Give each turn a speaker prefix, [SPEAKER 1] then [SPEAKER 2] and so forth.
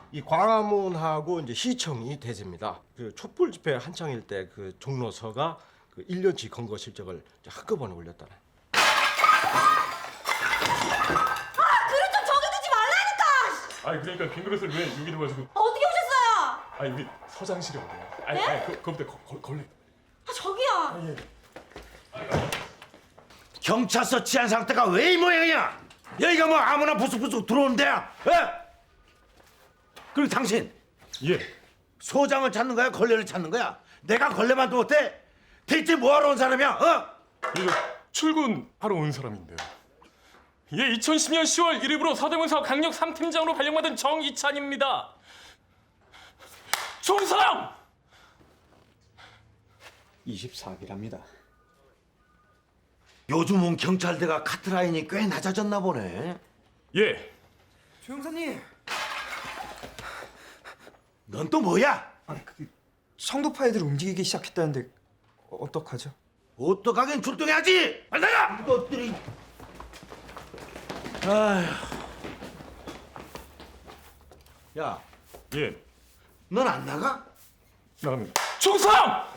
[SPEAKER 1] 이 광화문하고 이제 시청이 대세입니다. 그 촛불 집회 한창일 때 그 종로서가 그 1년치 검거 실적을 이제 한꺼번에 올렸다네.
[SPEAKER 2] 그릇 좀 저기 두지 말라니까!
[SPEAKER 3] 아니 그러니까 빈 그릇을 왜 여기 두가지고?
[SPEAKER 2] 어떻게 오셨어요?
[SPEAKER 3] 아니 우리 서장실이 어디야? 아니
[SPEAKER 2] 네?
[SPEAKER 3] 아니 그거부터 걸레.
[SPEAKER 2] 저기요.
[SPEAKER 3] 예.
[SPEAKER 4] 경찰서 치안 상태가 왜 이 모양이야? 여기가 뭐 아무나 부스부스 들어오는 데야? 에? 그리고 당신
[SPEAKER 3] 예.
[SPEAKER 4] 소장을 찾는 거야? 걸레를 찾는 거야? 내가 걸레만도 못해? 대체 뭐하러 온 사람이야?
[SPEAKER 3] 이거 출근하러 온 사람인데요. 예, 2010년 10월 1일부로 서대문서 강력 3팀장으로 발령받은 정이찬입니다. 총성!
[SPEAKER 5] 24기랍니다.
[SPEAKER 4] 요즘은 경찰대가 카트라인이 꽤 낮아졌나 보네.
[SPEAKER 3] 예.
[SPEAKER 5] 조 형사님,
[SPEAKER 4] 넌 또 뭐야?
[SPEAKER 5] 성도파 애들 움직이기 시작했다는데 어떡하죠?
[SPEAKER 4] 어떡하긴 출동해야지! 빨리 나가! 이것들이... 아휴... 야,
[SPEAKER 3] 예.
[SPEAKER 4] 넌 안 나가?
[SPEAKER 3] 나갑니다. 총성!